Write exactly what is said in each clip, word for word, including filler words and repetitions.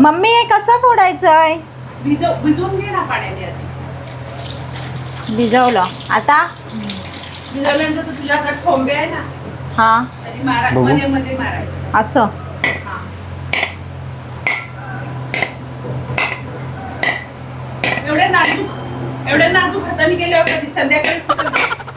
Mummy हे कसं फोडायचंय? भिजव भिजवून घे ना पाण्याने आधी. भिजवलं आता भिजवल्यानंतर तर तुझ्याकडे ठोंबे आहे ना, हा आणि मारा बघू. मध्ये मध्ये मारायचं. असं हा. एवढे नाजूक एवढे नाजूक हाताने गेल्यावर कधी संध्याकाळी कुठं-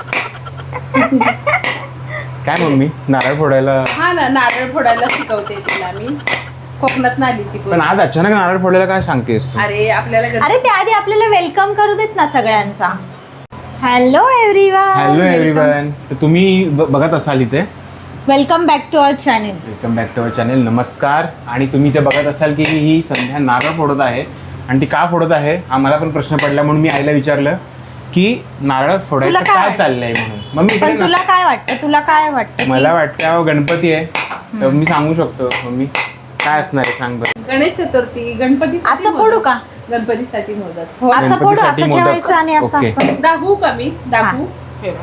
काय मम्मी नारळ फोडायला? हा ना, नारळ फोडायला शिकवते तिला मी. कोकणात नाली ती पण आज अचानक नारळ फोडायला काय सांगतेस तू? अरे आपल्याला गण- अरे त्याआधी आपल्याला वेलकम करू देत ना सगळ्यांचा. Hello everyone. Hello everyone. तर तुम्ही ब- बघत असाल इथे. Welcome back to our channel. Welcome back to our channel. नमस्कार. आणि तुम्ही ते बघत असाल की ही संध्या नारळ फोडत आहे आणि ती का फोडत आहे हा मला पण प्रश्न पडला, म्हणून मी आईला विचारलं की नारळ फोडायचं तुला काय काय वाटतं? चाललंय म्हणून. मम्मी इकडे पण ना. तुला काय वाटतं? तुला काय वाटतं? मला वाटतं अहो, गणपती आहे तर मी सांगू शकतो. मम्मी काय असणार आहे सांग बरं. गणेश चतुर्थी, गणपती असं फोडू का? गणपतीसाठी मोदक. हो. असं फोडू, गणपतीसाठी असं मोदक. ठेवायचं आणि असं ओके. असं. दाखवू का मी? दाखवू. ठेवा.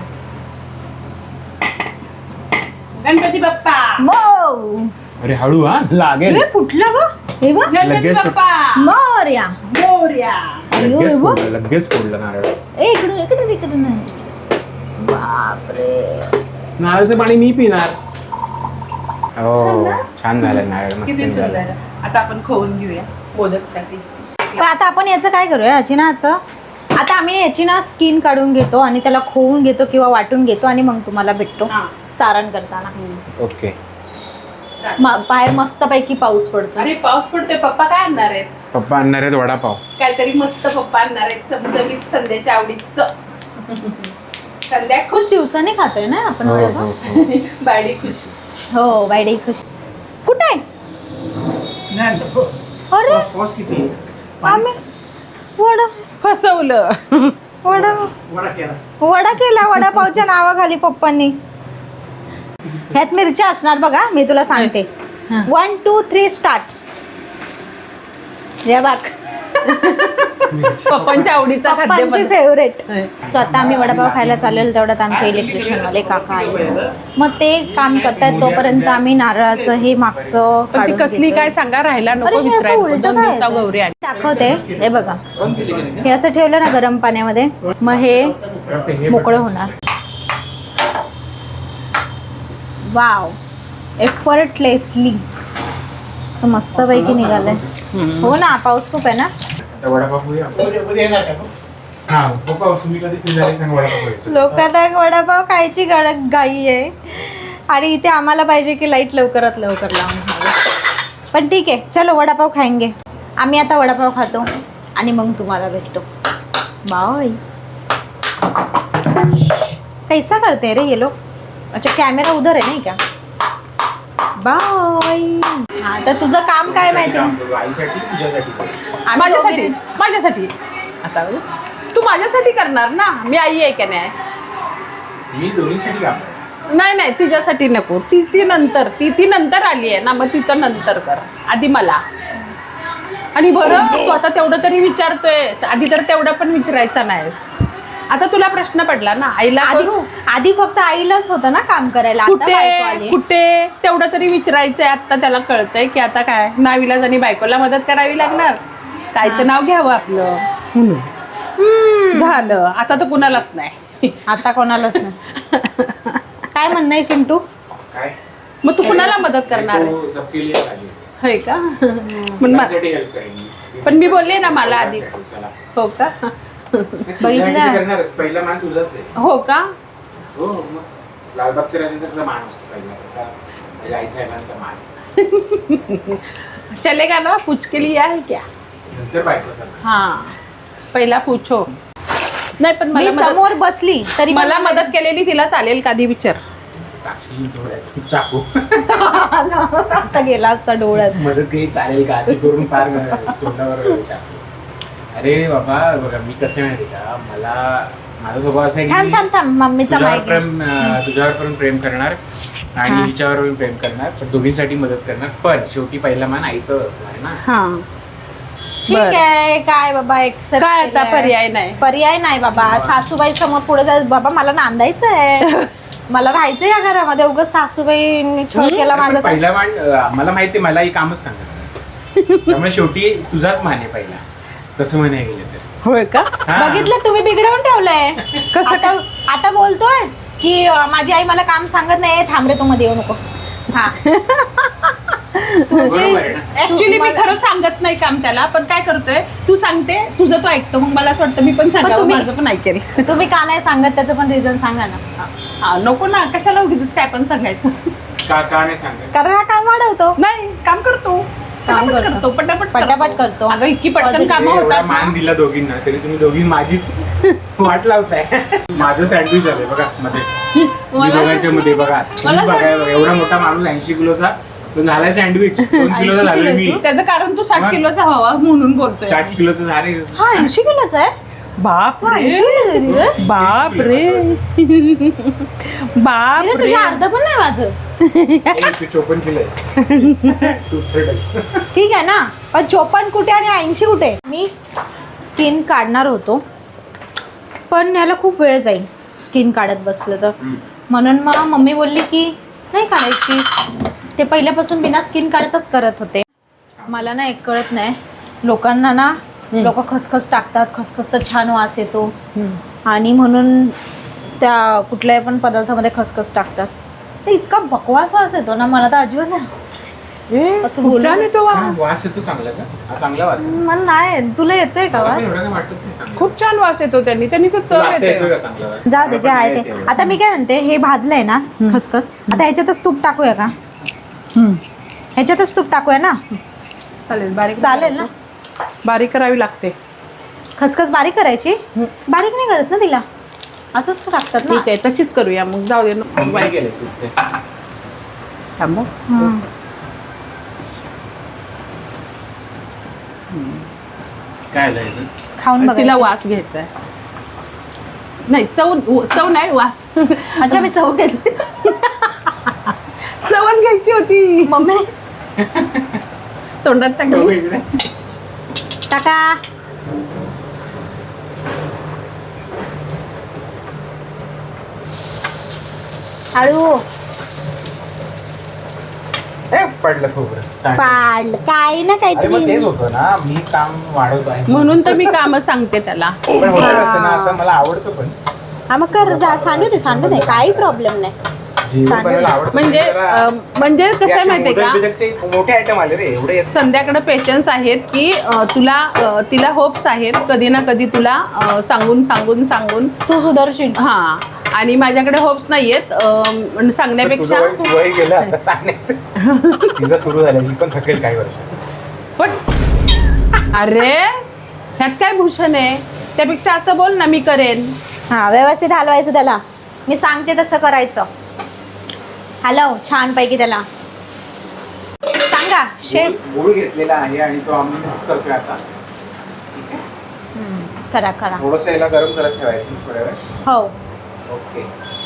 गणपती बाप्पा. मो अरे हळू हा लागेल. हे फुटलं बघ. हे बघ. गणपती लगेच बाप्पा. मोरया. मोरया. अयो, लगेच हे बघ. फोडलं लगेच फोडलं नारळ. ए इकडे इकडे इकडे नाही. बापरे. नारळचं पाणी मी पिणार. हो छान झालं नारळ, मस्त किती झालं. सुंदर. आता आपण खोवून घेऊया मोदकसाठी. पण आता आपण याचं काय करूया याची ना याचं आता आम्ही याची ना स्किन काढून घेतो आणि त्याला खोवून घेतो किंवा वाटून घेतो आणि मग तुम्हाला भेटतो हा. सारण करताना. ओके. म- बाहेर मस्त पैकी पाऊस पडतो. अरे पाऊस पडतोय. पप्पा काय आणणार आहेत? पप्पा आणणार आहेत वडापाव. काहीतरी मस्त पप्पा आणणार आहेत, चमचमीत संध्याच्या आवडीच. संध्या खुश. खूप दिवसांनी खातोय ना आपण हो वडापाव. हो हो. बाडी खुश. हो बायडे खुश. कुठे अरे आम्ही वडा फसवलं. वडा वडा केला वडापावच्या नावाखाली पप्पांनी. ह्यात मिरच्या असणार बघा, मी तुला सांगते. One two three start. या बाग पप्पांच्या आवडीचा पप्पांची खाद्यपदार्थ. फेवरेट. सो आता आम्ही वडापाव खायला चालेल तेवढ्यात आमचे इलेक्ट्रिशियनवाले काका आले, मग ते काम करतायत तोपर्यंत आम्ही नारळाचं हे मागचं पण ती काढून कसली घेतोय. काय सांगा, राहायला अरे, नको हे असं विसरायला. उलटं दोन काय दिवसा आहे? गौरी आली. दाखवते हे बघा, हे असं ठेवलं ना गरम पाण्यामध्ये मग हे मोकळं होणार. वाव एफर्टलेसली असं मस्तपैकी निघालंय. हो ना, पाऊस खूप आहे ना. आता वडापाव खाऊया. हा पप्पा तुम्ही कधी फ्री झाले सांग वडापाव खायचं. लोकांना वडापाव खायची गड घाई आहे आणि इथे आम्हाला पाहिजे की लाईट लवकरात लवकर लावून हवी. पण ठीक आहे, चलो वडापाव खाएंगे. आम्ही आता वडापाव खातो आणि मग तुम्हाला भेटतो. बाय. कैसा करते रे ये लोग? अच्छा कॅमेरा उधर आहे नाही का? बाय. हा तर तुझं काम काय माहिती? आईसाठी तुझ्यासाठी आम्ही माझ्यासाठी दोघींनी- माझ्यासाठी आता तू माझ्यासाठी करणार ना, मी आई आहे का नाही? मी दोन्हीसाठी काम करतो. नाही नाही तुझ्यासाठी नको. ती ती नंतर ती ती नंतर आली आहे ना, मग तिचं नंतर कर, आधी मला. आणि बरं तू आता तेवढं तरी विचारतोय, आधी तर तेवढं पण विचारायचा नाहीस. आता तुला प्रश्न पडला ना, आईला आधी करू? आधी फक्त आईलाच होतं ना काम करायला. आता बायको कुठे आली. कुठे तेवढं तरी विचारायचंय. आता त्याला कळतंय की आता काय नावीलाज आणि बायकोला मदत करावी लागणार, ताईचं नाव घ्यावं आपलं म्हणून. झालं आता तर कुणालाच नाही. आता कोणालाच नाही. काय म्हणणं आहे चिंटू? काय मग तू कुणाला मदत करणार आहे? तो सबके लिए पाहिजे. होय का? पण मा- माझ्यासाठी हेल्प करेन. पण मी बोलले ना मला आधी. चला. हो का? बघितलं? करणारच. पहिला मान तुझाच आहे. हो का? हो मग लालबागच्या राजाचा मान असतो पहिला, तसा पहिला आई साहेबांचा मान. चलेगा ना, पूछ के लिए आहे क्या? नंतर बायको सगळं. हा पहिला पूछो. नाही पण मी मला मदत- समोर बसली तरी मला मदत केलेली तिला चालेल का आधी विचार. टाकशील डोळ्यात चाकू. आता गेला असता डोळ्यात. मदत काही चालेल का अशी करून फार तोंडावर टाकू. अरे बाबा बघा मी कसं माहिती का, मला माझा स्वभाव असा आहे थांब की थांब थांब मम्मीचा तुझ्यावर माहिती. प्रेम अं, तुझ्यावर पण प्रेम करणार हा. आणि हिच्यावर पण प्रेम करणार, पण दोघींसाठी मदत करणार, पण शेवटी पहिला मान आईचं असणार ना. हा ठीक बरं. आहे काय बाबा एक्सेप्ट काय आता पर्याय नाही. पर्याय नाही बाबा. सासूबाई समोर पुढे जायचं बाबा, मला नांदायचं आहे, मला राहायचं या घरामध्ये. उगाच सासूबाई छळ केला पण माझा तर- पहिला मान अं, मला माहिती, मला ही कामच सांगणार. त्यामुळे शेवटी तुझाच मान आहे पहिला, तसं म्हणाय गेलं तर. होय का? हा. बघितलं तुम्ही बिघडवून ठेवलंय. कसं आता आता बोलतोय की अं, माझी आई मला काम सांगत नाही, थांब रे तू मध्ये येऊ नको. हा बरोबर आहे ना? ऍक्च्युली मी खरं सांगत नाही काम त्याला, पण काय करतोय तू सांगते तुझं तो ऐकतो, मग मला असं वाटतं मी पण सांगावं, तुम्ही- माझं पण ऐकेल. तुम्ही का नाही सांगत त्याचं पण रिझन सांगा ना. हा, नको ना, कशाला उगीच काय पण सांगायचं. का का नाही सांगत? कारण हा काम वाढवतो. नाही, काम करतो, काम पटापट करतो. करतो, पटापट पटापट करतो. अगं इतकी पटकन Positive. कामं एवढा होतात मान ना. दिला दोघींना तरी तुम्ही दोघी माझीच वाट लावताय. माझं सँडविच आलंय बघा मध्ये, मी मला दोघांच्या मध्ये बघा. तुम्ही मला बघा बघा, एवढा मोठा माणूस ऐंशी किलोचा तो झालाय सँडविच. दोन किलोचा ऐंशी झालोय किलो मी. तू? त्याचं कारण तू साठ मग? किलोचा व्हावा म्हणून बोलतोय. साठ किलोचं झाले. हा ऐंशी किलोचा आहे. बाप हा, ऐंशी किलोचा आहे धीरज. बाप रे बाप धीरज, रे तुझ्या अर्ध पण नाही माझं. चोपन्न किलो आहेस. तू third आहेस. ठीक आहे ना, पण चोपन्न कुठे आणि ऐंशी कुठे. मी स्किन काढणार होतो, पण याला खूप वेळ जाईल स्किन काढत बसलं तर. हम्म. म्हणून मग मम्मी बोलली की नाही काढायची. ते पहिल्यापासून बिना स्किन काढतच करत होते. मला ना एक कळत नाही, लोकांना ना लोक खसखस टाकतात, खसखसचा छान वास येतो आणि म्हणून त्या कुठल्याही पण पदार्थामध्ये खसखस टाकतात. ते इतका बकवास वास येतो ना, मला तर अजिबात नाही. असं खूप बोलू छान येतो वा. हा, वास येतो चांगला का? हा चांगला वास आहे. मला नाही, तुला येतोय का मला पण वास? एवढं काय वाटत नाही चांगला. खूप छान वास येतो त्यांनी त्यांनी तर तुला चव आता येतोय येते. का चांगला वास? जाऊ दे, जे मला पण आहे नाही ते. येत आता मी काय म्हणते, हे भाजलंय ना खसखस, आता ह्याच्यातच तूप टाकूया का? हम्म. ह्याच्यातच तूप टाकूया ना, चालेल, बारीक चालेल ना? बारीक करावी लागते. खसखस बारीक करायची? बारीक नाही करत ना तिला, असंच टाकतात ना. ठीक आहे, तशीच करूया मग, जाऊ दे नको. एवढं. काय केलंय तू ते? थांबा. हम्म. काय आलं ह्याचं? खाऊन बघा. तिला वास घ्यायचा आहे. नाही, चव चव नाही, वास. अच्छा, मी चव घेतली. चवच घ्यायची होती. मम्मी तोंडात टाकली. हो, इकडे. टाका. हळू ए, पडलं खोबरं. सांग. पाड काय ना अरे मग तेच काहीतरी. होतं ना, मी काम वाढवतो आहे. म्हणून तर मी काम सांगते त्याला. पण होतं कसं ना, आता मला आवडतं पण हा मग कर जा, सांडू दे सांडू दे, काही प्रॉब्लेम नाही. जेवण सांगेल. बनवायला आवडतं. म्हणजे जरा- अं, म्हणजे ते कसं आहे असे माहितीये का, मोदक बिदकचे मोठे आयटम आले रे, एवढे येत संध्याकडे पेशन्स आहेत की अं, तुला अं, तिला होप्स आहेत कधी ना कधी तुला अं, सांगून सांगून सांगून तू सुदर्शील. हा, आणि माझ्याकडे होप्स नाहीयेत अं, तुझं सांगण्यापेक्षा. वय वय गेलं आता सांगण्यात. तिचं सुरू झालं, मी पण थकेल काही वर्ष. पण अरे ह्यात काय भूषण आहे, त्यापेक्षा असं बोल ना, मी करेन. हा, व्यवस्थित हलवायचं त्याला, मी सांगते तसं करायचं. हलव छान पैकी त्याला. सांगा शेफ. गुळ घेतलेला आहे आणि तो आम्ही मिक्स करतोय आता. ठीक आहे, हम्म, करा करा. थोडंसं याला गरम करत ठेवायचं थोड्या वेळ. हो. ओके.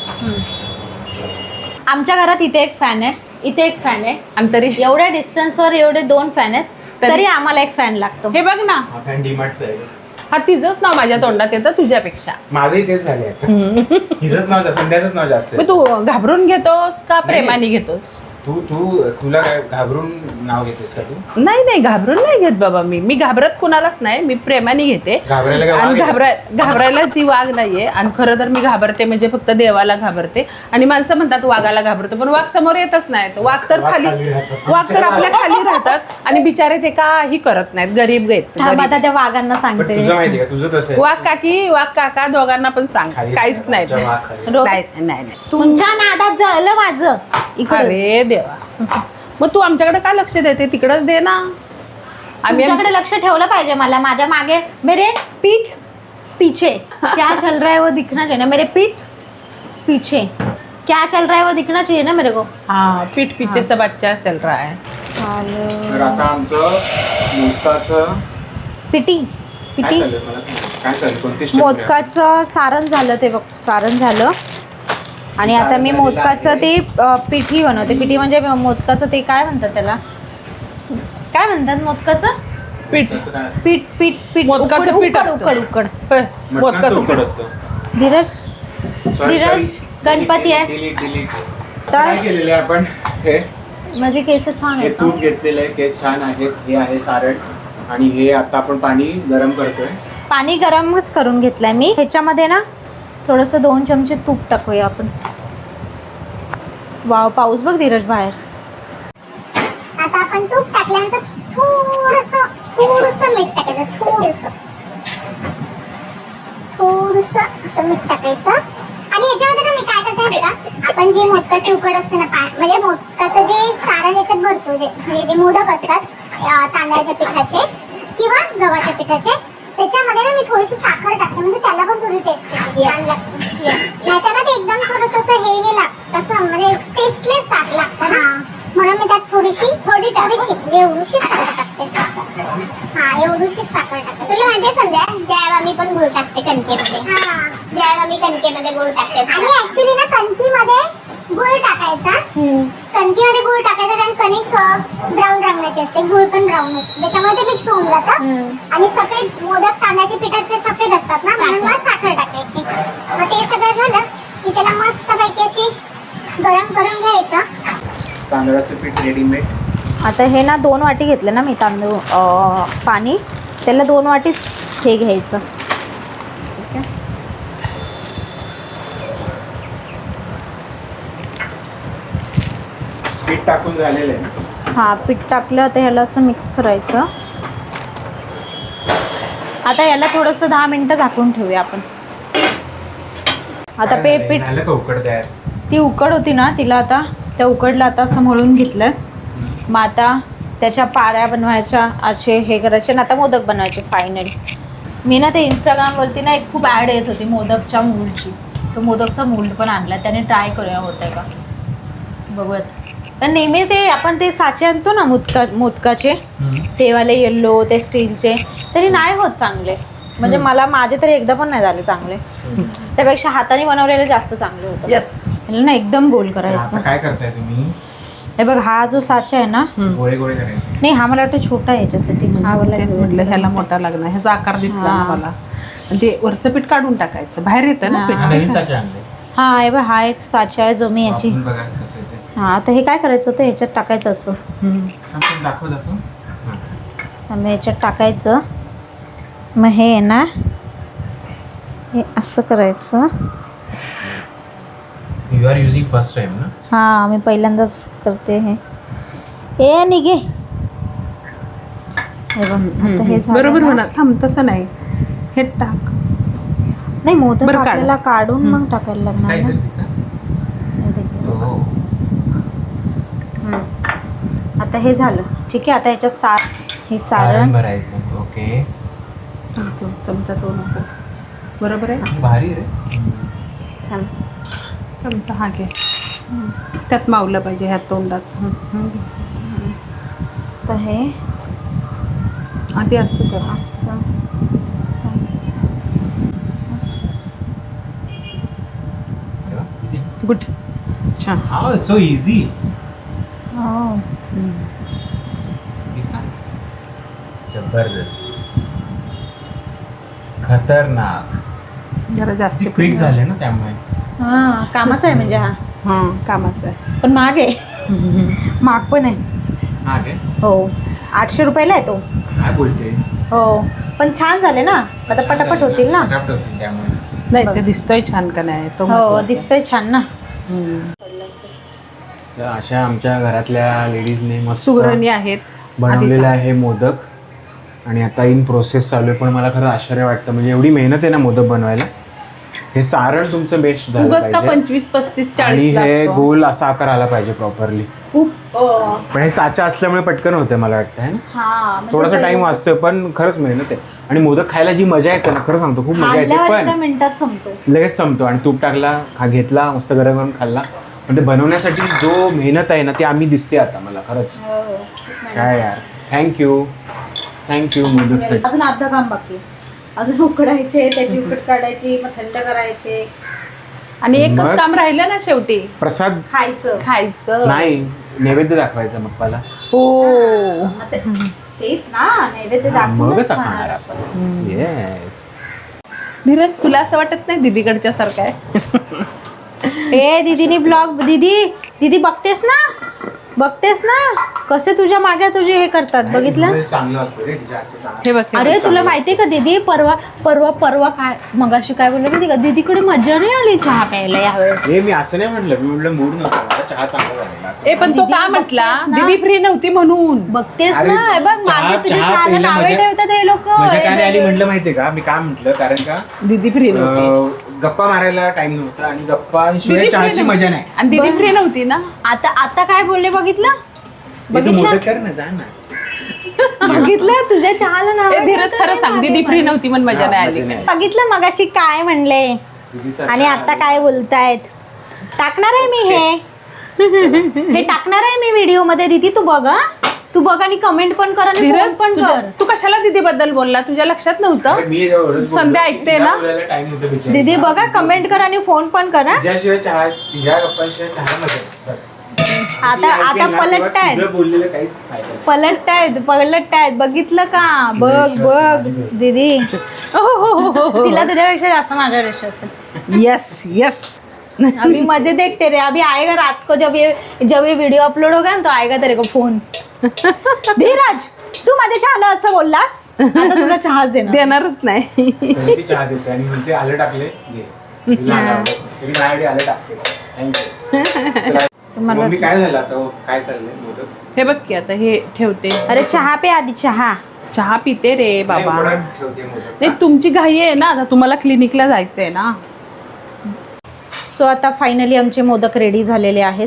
आमच्या घरात इथे एक फॅन आहे, इथे एक फॅन आहे. आणि तरी एवढ्या डिस्टन्सवर एवढे दोन फॅन आहेत, तरी- तरी आम्हाला एक फॅन लागतो. हे बघ ना, हा फॅन डीमार्टचा आहे. हा तिचंच नाव माझ्या तोंडात येतं तुझ्यापेक्षा. माझंही तेच झाले आता. हिचंच नाव जास्त, संध्याचंच नाव जास्त मग आहे. तू घाबरून घेतोस का नाही, प्रेमाने घेतोस? तू तू तुला काय घाबरून नाव घेतेस का तू? नाही नाही, घाबरून नाही घेत बाबा. मी मी घाबरत कुणालाच नाही, मी प्रेमाने घेते. घाबरायला काय वाघ आणि आहे? घाबराय घाबरायला ती वाघ नाहीये. आणि खरं तर मी घाबरते म्हणजे फक्त देवाला घाबरते. आणि माणसं म्हणतात वाघाला घाबरतो, पण वाघ समोर येतच नाहीत. वाघ तर वाघ खाली खाली राहतात. वाघ तर आपल्या खाली राहतात आणि बिचारे ते काही करत नाहीत, गरीब आहेत थांब, गरीब. आता त्या वाघांना पण सांगते. तुझं माहिती का, तुझं तसं आहे. वाघ काकी वाघ काका दोघांना पण सांग, खाली काहीच नाही आमच्या वाघ खाली. रो- नाही नाही नाही. तुमच्या नादात जळलं माझं इकडे. अरे देवा, मग तू आमच्याकडे काय लक्ष देते, तिकडच दे ना. आम्ही तुमच्याकडे लक्ष ठेवलं पाहिजे. मला माझ्या मागे मेरे पीठ पीछे क्या चल रहा है वो दिखना चाहिए ना. मेरे पीठ पीछे क्या चल रहा है वो दिखना चाहिए ना मेरे को. हाँ, पीठ पीछे सब अच्छा चल रहा है. तर आता आमचं मोदकाचं पिटी काय पिटी चाललंय मला सांग. काय चाललंय, कोणती step आहे? मोदकाचं सारण झालं ते बघ, सारण झालं. आणि आता मी सारण मोदकाचं झालेलं ते अ, पिठी बनवते. पिठी म्हणजे मोदकाचं ते काय म्हणतात त्याला, काय म्हणतात मोदकाचं पीठ मोदकाचं काय असतं? पीठ पीठ पीठ मोदकाचं उकड पीठ उकड असतं. उकड उकड. होय, मटणाचं मोदकाचं उकड पीठ. असतं. Dheeraj Sorry, Dheeraj, sorry. गणपती आहे. Delete, delete, delete. तर- काय केलेलं आहे आपण हे माझे केस छान हे आहेत तूप ना. घेतलेलं आहे, केस छान आहेत. हे आहे सारण आणि हे आता आपण पाणी गरम करतोय. पाणी गरमच करून घेतलंय मी. ह्याच्यामध्ये ना थोडंसं दोन चमचे तूप टाकूया आपण. वाव, पाऊस बघ धीरज बाहेर. आता आपण तूप टाकल्यानंतर थोडंसं थोडंसं मीठ टाकायचं. थोडंसं थोडंसं असं मीठ टाकायचं. आणि याच्यामध्ये ना मी काय करते माहिती का, आपण जे मोदकाची उकड असते ना, पा म्हणजे मोदकाचं जे सारण याच्यात भरतो, जे म्हणजे जे मोदक असतात अं, तांदळाच्या पिठाचे किंवा गव्हाच्या पिठाचे, त्याच्यामध्ये ना मी थोडीशी साखर टाकते, म्हणजे त्याला पण थोडी टेस्ट येते, छान लागते. नाहीतर ना ते एकदम थोडंसं असं हे हे लागतं, कसं म्हणजे टेस्टलेस टाक लागतं ना, म्हणून मी त्यात थोडीशी थोडी थोडीशी म्हणजे एवढीशी साखर टाकते. हा, एवढीशी साखर टाकते. तुला माहितीये संध्या, ज्यावेळेला मी पण गुळ टाकते कणकेमध्ये. हा, ज्यावेळेला मी कणकेमध्ये गुळ टाकते. आणि ऍक्च्युली ना कणकीमध्ये गुळ टाकायचा. कणकीमध्ये गुळ टाकायचा, कारण कणिक ब्राऊन रंगाची असते, गुळ पण ब्राऊन असतो, त्याच्यामुळे ते मिक्स होऊन जातं. आणि सफेद मोदक तांदळाच्या पिठाचे सफेद असतात ना, म्हणून मग साखर टाकायची. मग ते सगळं झालं की त्याला मस्त पैकी अशी गरम करून घ्यायचं. तांदळाचं पीठ रेडीमेड. आता हे ना दोन वाटी घेतलं ना मी तांदूळ अं, पाणी, त्याला दोन वाटीच हे घ्यायचं. ठीक आहे. पीठ टाकून झालेलं आहे. हां, पीठ टाकलं तर ह्याला असं मिक्स करायचं. आता याला थोडंसं दहा मिनटं झाकून ठेवूया आपण. आता पे काय पीठ झालं? झालं का उकड तयार? ती उकड होती ना, तिला आता त्या उकडला आता असं मळून घेतलं. मग आता त्याच्या पाऱ्या बनवायच्या, असे हे करायचे ना, आता मोदक बनवायचे फायनली. मी ना ते इंस्टाग्रामवरती ना एक खूप ॲड येत होती मोदकच्या मोल्डची. तो मोदकचा मोल्ड पण आणला, त्याने ट्राय करूया होत आहे का बघूयात. तर नेहमी ते आपण ते साचे आणतो ना मोदका मोदकाचे, ते वाले येल्लो, ते स्टीलचे, तरी नाही होत चांगले. म्हणजे मला माझे तरी एकदा पण नाही झाले चांगले. त्यापेक्षा हाताने बनवलेले जास्त चांगले होतं. येस. ह्याला ना एकदम गोल आता करायचं. काय करताय तुम्ही? हे बघ, हा जो साचा आहे ना, गोळे गोळे करायचे. नाही हा मला वाटतं छोटा आहे याच्यासाठी. हा वाला तेच म्हटलं ह्याला मोठा लागणार, ह्याचा आकार दिसला ना हा. मला. आणि ते वरचं पीठ काढून टाकायचं, बाहेर येतं ना हा. पीठ. हा, नवीन साचे आणले. हा, हे बघ, हा एक साचा आहे जो मी याची. वापरून बघा कसं आहे ते. हा, तर हे काय करायचं होतं, ह्याच्यात टाकायचं असं. हम्म. आपण दाखव दाखव. हां. आणि ह्याच्यात टाकायचं. मग हे आहे ना, हे असं करायचं. You are using first time ना? हां, मी पहिल्यांदाच करते हे. ए निघे. हे बघ, आता हे झालं बरोबर ना. होणार. थांब, तसं नाही, हे टाक. नाही, मोदक बरं, काढ. आपल्याला काढून मग टाकायला लागणार काय ना. करते का? हे देखील. हो. हम्म. आता हे झालं. ठीक आहे. आता याच्यात सार हे सारण सारण भरायचं. ओके. तो चमचा तो नको. बरोबर आहे. भारी रे. थांब. चमचा हा घे. त्यात मावलं पाहिजे ह्या तोंडात. हम्म. तर हे आधी असं कर. असं असं असं. गुड. छान. How so easy. हो. जबरदस्त. खतरनाक. जरा जास्त क्विक झाले ना त्यामुळे. हां, कामाचा आहे म्हणजे हा. हां, कामाचं आहे. पण महाग आहे. महाग पण आहे. हा काय? हो, आठशे रुपयाला आहे तो. काय बोलते? हो, पण छान झाले ना. आता पटापट होतील ना. पटापट होतील त्यामुळे. नाही, बघ. ते दिसतोय छान का नाही तो हो, महत्त्वाचा. दिसतंय छान ना. हम्म. तर अशा आमच्या घरातल्या लेडीजने मस्त सुगरणी आहेत. बनवलेलं आहे मोदक आणि आता इन प्रोसेस चालू आहे. पण मला खरं आश्चर्य वाटतं, म्हणजे एवढी मेहनत आहे ना मोदक बनवायला. हे सारण तुमचं बेस्ट झालं उगाच का पाहिजे पंचवीस पस्तीस आणि चाळीस हे गोल असा आकार आला पाहिजे प्रॉपरली. खूप अं, पण हे साचा असल्यामुळे पटकन होते मला वाटतं, है ना? हा, म्हणजे थोडासा टाइम वाचतोय पण खरंच मेहनत आहे. आणि मोदक खायला जी मजा येते ना, खरं सांगतो खूप मजा येते. खाल्ल्यावर एका पण मिनिटात संपतो. लगेच संपतो. आणि तूप टाकला, हा घेतला, मस्त गरम गरम खाल्ला. पण ते बनवण्यासाठी जो मेहनत आहे ना, ती आम्ही दिसते आता मला खरंच. काय यार, थँक्यू थँक्यू मोदकसाठी. अजून अर्धा काम बाकी आहे. अजून उकडायचे, त्याची उकड काढायची, मग थंड करायचे, आणि एकच मग? काम राहिलं ना शेवटी, प्रसाद खायचं. खायचं. नाही, नैवेद्य दाखवायचं बाप्पाला. हो. मग ते- तेच ना, नैवेद्य दाखवूनच मगच खाणार खाणार आपण. येस. धीरज, तुला असं वाटत नाही दीदीकडच्या सारखं आहे? ए दीदीनी ब्लॉग, दीदी दीदी बघतेस ना, बघतेस ना कसे तुझ्या मागे तुझे हे करतात बघितलं. तुझं चांगलं असतं रे तुझ्या हातचं चांगलं. हे बघ हे अरे बघ. तुला माहितीये का दीदी परवा परवा परवा काय मगाशी काय बोलले माहिती का दीदीकडे मजा नाही आली चहा प्यायला यावेळेस. हे मी असं नाही म्हटलं, मी म्हटलं मूड नव्हता मला, चहा चांगला झालेला असं. ए पण तो का म्हटला दीदी फ्री नव्हती म्हणून. बघतेस अरे, ना हे बघ चहा- मागे तुझ्या चहा चहाला प्यायला नावे मजा- ठेवतात हे लोक. मजा काय नाही आली म्हटलं माहितीये का, मी काय म्हटलं, कारण का दीदी फ्री नव्हती अं, गप्पा मारायला टाइम नव्हता आणि गप्पांशिवाय दीदी चहाची free मजा नाही. आणि दीदी फ्री नव्हती ना. आता आता काय बोलले बघितलं हे तू बघितलं मोदक कर ना, जा ना. बघितलं तुझ्या चहाला नाव ए धीरज खरं सांग दीदी फ्री नव्हती म्हणून मजा नाही आली. मजा नाही. बघितलं मगाशी काय म्हणले दीदीसारखं आणि आता काय बोलतायत. टाकणार आहे मी हे हे टाकणार आहे मी व्हिडिओ मध्ये दीदी तू बघ हा. तू बघ आणि कमेंट पण कर आणि धीरज phone पण तुझ्या- कर. तू कशाला दीदी बद्दल बोलला तुझ्या लक्षात नव्हतं. अरे, मी एवढंच बोललो संध्या की ऐकते तिला ना? बोलायला time नव्हता बिचारी. दीदी बघा कमेंट कर आणि फोन पण कर हा. तिच्याशिवाय चहा तिच्या गप्पांशिवाय चहा मजा नाही. बस आता ती ऐकेल आता ना, तेव्हा पलटतायत तुझं बोललेलं काहीच फायदा नाही. पलटतायत पलटतायत बघितलं का बघ बघ दीदी तिला तुझ्यापेक्षा जास्त माझ्यावर विश्वास आहे. येस येस अभी मजे देखते रे अभी आएगा रात को जब ये जब ये वीडियो अपलोड होगा ना तो आएगा तेरे को फोन. धीरज तू माझ्या चहाला असं बोललास आता तुला चहाच देणार. देणारच नाही. तरी ती चहा देते आणि म्हणते आलं टाकले घे. तिला आलं आवडत नाही. तरी माझ्याकडे आलं टाकते. थँक्यू. मम्मी काय झालं आता हो? काय चाललंय मोदक? हे बघ की आता हे ठेवते. अरे चहा पे आधी चहा. चहा पिते रे नाही, बाबा. उकडात ठेवते मोदक. नाही तुमची घाई आहे ना आता तुम्हाला क्लिनिकला जायचंय ना. सो आता फायनली आमचे मोदक रेडी झालेले आहेत.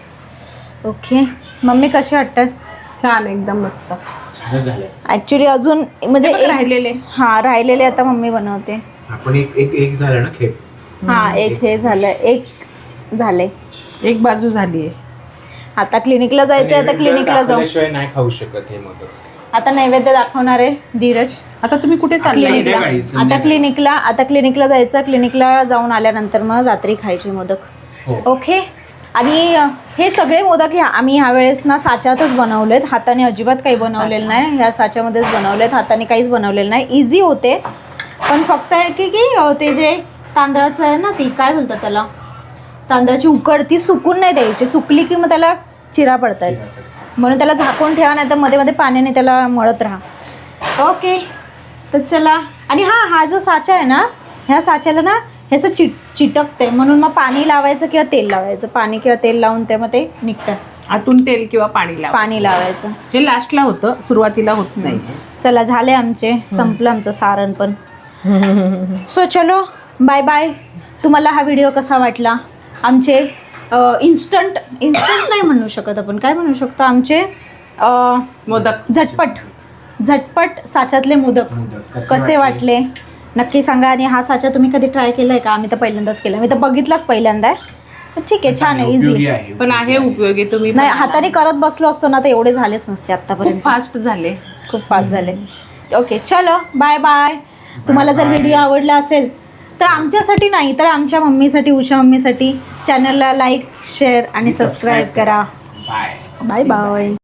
ओके मम्मी कसे वाटतात. छान एकदम मस्त. छान झालं असतं. ऍक्च्युली अजून म्हणजे हे बघ एक- राहिलेले. हा राहिलेले आता मम्मी बनवते. आपण एक एक एक झालं ना खेळ. हा एक हे झालं एक झाले. एक बाजू झालीये. आता क्लिनिकला जायचंय आता क्लिनिकला जाऊ. दाखवल्याशिवाय नाही खाऊ शकत हे मोदक. आता नैवेद्य दाखवणार आहे धीरज आता तुम्ही कुठे चालले. क्लिनिकला. संध्याकाळी, आता संध्याकाळी. क्लिनिकला आता क्लिनिकला जायचं. क्लिनिकला जाऊन आल्यानंतर मग रात्री खायचे मोदक. हो. ओके आणि अ, हे सगळे मोदक ह्या आम्ही ह्यावेळेस ना साच्यातच बनवलेत. हाताने अजिबात काही बनवलेलं नाही. ह्या साच्यामध्येच बनवलेत. हाताने काहीच बनवलेलं नाही. इझी होते पण फक्त आहे की की अ, ते जे तांदळाचं आहे ना ती काय बोलतात त्याला तांदळाची उकड ती सुकून नाही द्यायची. सुकली की मग त्याला चिरा पडतायत म्हणून त्याला झाकून ठेवा नाही तर मध्ये मध्ये पाण्याने त्याला मळत राहा. ओके तर चला. आणि हां हा जो साचा आहे ना ह्या साच्याला ना हे असं चिट चिटकते म्हणून मग पाणी लावायचं किंवा तेल लावायचं. पाणी किंवा तेल लावून ते मग ते निघतं. आतून तेल किंवा पाणी लावा. पाणी लावायचं. हे लास्टला होतं सुरुवातीला होत नाही. चला झाले आमचे संपलं आमचं सारण पण. सो चलो बाय बाय. तुम्हाला हा व्हिडिओ कसा वाटला. आमचे इन्स्टंट इन्स्टंट नाही म्हणू शकत आपण काय म्हणू शकतो आमचे अ, मोदक झटपट झटपट साच्यातले मोदक मोदक कसे वाटले नक्की सांगा. आणि हा साचा तुम्ही कधी ट्राय केलाय का. आम्ही तर पहिल्यांदाच केला. मी तर बघितलाच पहिल्यांदा आहे. पण ठीक आहे छान आहे उपयोगी इझी. आहे. पण आहे उपयोगी. तुम्ही नाही हाताने करत बसलो असतो ना तर एवढे झालेच नसते आतापर्यंत. फास्ट झाले. खूप फास्ट झाले. ओके चलो बाय बाय. तुम्हाला जर व्हिडिओ आवडला असेल तर आमच्यासाठी नाही तर आमच्या मम्मीसाठी उषा मम्मीसाठी चॅनलला लाईक शेअर आणि सबस्क्राईब करा. बाय. Bye bye.